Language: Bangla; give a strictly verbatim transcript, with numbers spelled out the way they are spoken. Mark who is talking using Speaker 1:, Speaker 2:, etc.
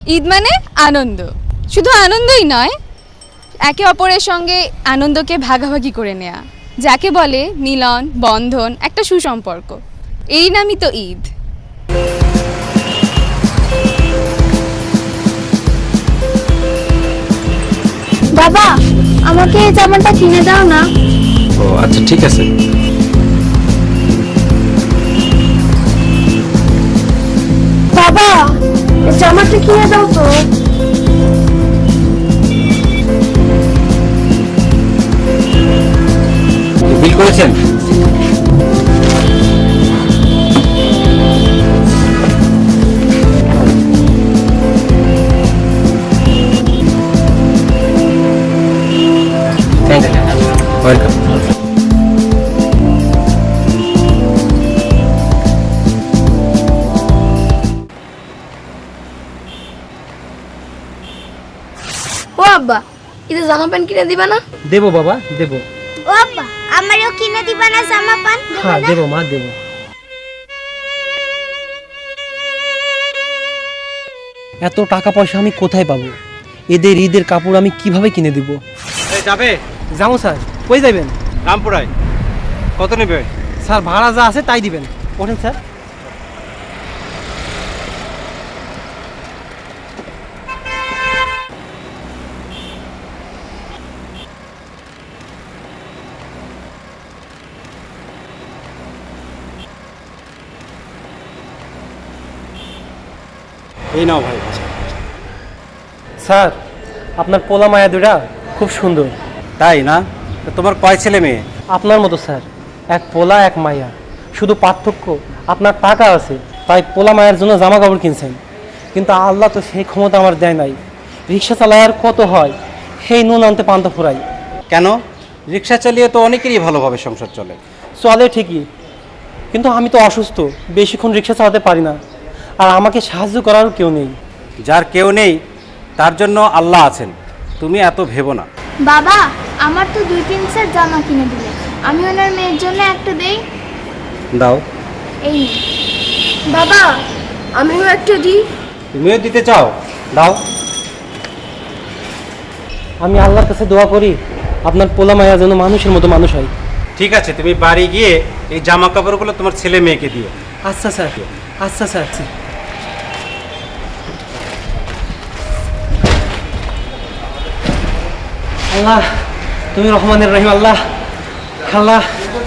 Speaker 1: ঈদ মানে আনন্দ, শুধু আনন্দই নয়, একে অপরের সঙ্গে আনন্দকে ভাগাভাগি করে নেয়া, যাকে বলে মিলন, বন্ধন, একটা সুসম্পর্ক। এই নামই তো ঈদ।
Speaker 2: বাবা, আমাকে এই জামাটা কিনে দাও না।
Speaker 3: ও আচ্ছা, ঠিক আছে।
Speaker 2: বাবা, এই জামাটা কিনে দাও তো।
Speaker 3: বিল করেছেন? Thank you, welcome.
Speaker 2: ও আব্বা, ঈদে জামা প্যান্ট কিনে দিবা না?
Speaker 4: দেবো বাবা, দেবো।
Speaker 2: ও আব্বা, আমারও কিনে দিবা না জামা প্যান্ট?
Speaker 4: হ্যাঁ দেবো মা, দেবো। এত টাকা পয়সা আমি কোথায় পাবো? এদের ঈদের কাপড় আমি কিভাবে কিনে দিব?
Speaker 3: যাবে?
Speaker 4: যাবো স্যার। কই যাবেন?
Speaker 3: রামপুরায়। কত নেবে?
Speaker 4: স্যার ভাড়া যা আছে তাই দিবেন। ওঠেন স্যার।
Speaker 3: এই নাও ভাই।
Speaker 4: স্যার আপনার পোলা মায়া দুটা খুব সুন্দর।
Speaker 3: তাই না? তো তোমার কয় ছেলে মেয়ে?
Speaker 4: আপনার মতো স্যার, এক পোলা এক মায়া, শুধু পার্থক্য আপনার টাকা আছে তাই পোলা মায়ের জন্য জামা কাপড় কিনছেন, কিন্তু আল্লাহ তো সেই ক্ষমতা আমার দেয় নাই। রিক্সা চালায় আর কত হয়, সেই নুন আনতে পান্তা ফুরাই।
Speaker 3: কেন? রিক্সা চালিয়ে তো অনেকেরই ভালোভাবে সংসার চলে।
Speaker 4: চলে ঠিকই, কিন্তু আমি তো অসুস্থ, বেশিক্ষণ রিক্সা চালাতে পারি না, আর আমাকে সাহায্য করারও কেউ নেই।
Speaker 3: যার কেউ নেই তার জন্য আল্লাহ আছেন, তুমি এত ভেবো না।
Speaker 2: বাবা, আমার তো দুই তিন সেট জামা কিনে দিলে, আমি ওনার মেয়ের জন্য একটা দেই।
Speaker 3: দাও।
Speaker 2: এই নে। বাবা, আমিও একটা দিই।
Speaker 3: তুমিও দিতে চাও? দাও।
Speaker 4: আমি আল্লাহর কাছে দোয়া করি আপনার পোলা মায়া যেন মানুষের মতো মানুষ হয়।
Speaker 3: ঠিক আছে, তুমি বাড়ি গিয়ে এই জামা কাপড়গুলো তোমার ছেলে মেয়েকে দিও।
Speaker 4: আচ্ছা স্যার, আচ্ছা স্যার। আল্লাহ তুমি রহমানের রহিম। আল্লাহ আল্লাহ